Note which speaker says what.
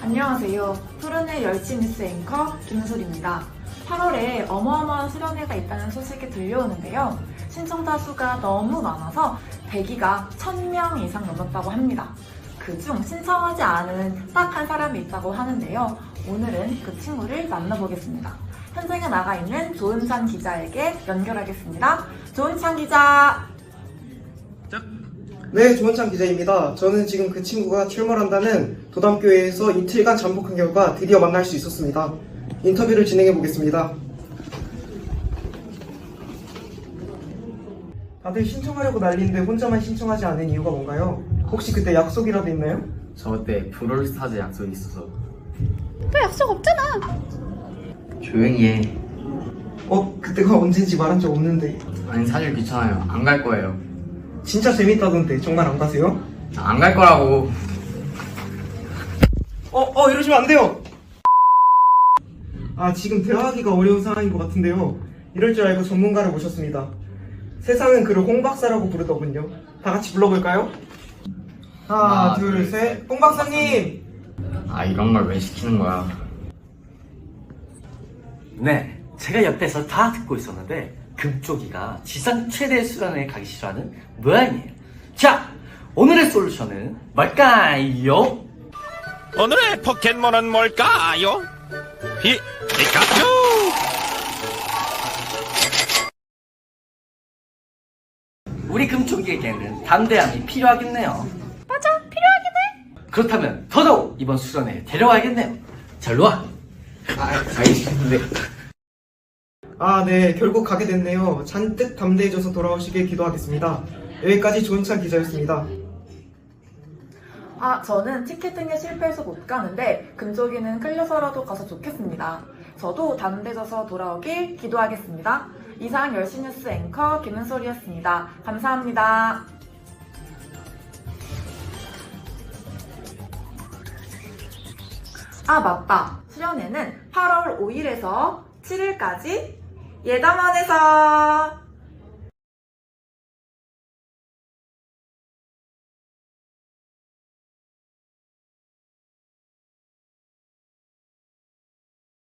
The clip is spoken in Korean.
Speaker 1: 안녕하세요. 푸른의 열심 뉴스 앵커 김소리입니다. 8월에 어마어마한 수련회가 있다는 소식이 들려오는데요. 신청자 수가 너무 많아서 대기가 1000명 이상 넘었다고 합니다. 그중 신청하지 않은 딱 한 사람이 있다고 하는데요. 오늘은 그 친구를 만나보겠습니다. 현장에 나가 있는 조은찬 기자에게 연결하겠습니다. 조은찬 기자!
Speaker 2: 네, 조은찬 기자입니다. 저는 지금 그 친구가 출몰한다는 도담교회에서 이틀간 잠복한 결과 드디어 만날 수 있었습니다. 인터뷰를 진행해 보겠습니다. 다들 신청하려고 난리인데 혼자만 신청하지 않은 이유가 뭔가요? 혹시 그때 약속이라도 있나요?
Speaker 3: 저 그때 브롤스타즈 약속이 있어서.
Speaker 4: 너 약속 없잖아.
Speaker 3: 조용히 해.
Speaker 2: 그때가 언젠지 말한 적 없는데.
Speaker 3: 아니 사실 귀찮아요. 안 갈 거예요.
Speaker 2: 진짜 재밌다던데 정말 안 가세요?
Speaker 3: 안 갈 거라고.
Speaker 2: 이러시면 안 돼요! 지금 대화하기가 어려운 상황인 것 같은데요. 이럴 줄 알고 전문가를 모셨습니다. 세상은 그를 홍 박사라고 부르더군요. 다 같이 불러볼까요? 하나, 둘, 셋. 홍 박사님!
Speaker 3: 이런 걸 왜 시키는 거야?
Speaker 5: 네, 제가 옆에서 다 듣고 있었는데 금쪽이가 지상 최대 수련회에 가기 싫어하는 모양이에요. 자, 오늘의 솔루션은 뭘까요?
Speaker 6: 오늘의 포켓몬은 뭘까요? 피카츄!
Speaker 5: 우리 금쪽이에게는 담대함이 필요하겠네요.
Speaker 4: 맞아, 필요하긴 해.
Speaker 5: 그렇다면 더더욱 이번 수련회에 데려와야겠네요. 자, 일로 와.
Speaker 3: 알겠는데.
Speaker 2: 네, 결국 가게 됐네요. 잔뜩 담대해져서 돌아오시길 기도하겠습니다. 여기까지 조은찬 기자였습니다.
Speaker 1: 저는 티켓 등에 실패해서 못 가는데 금쪽이는 끌려서라도 가서 좋겠습니다. 저도 담대해져서 돌아오길 기도하겠습니다. 이상 열심 뉴스 앵커 김은솔이었습니다. 감사합니다. 맞다. 수련회는 8월 5일에서 7일까지 예담원에서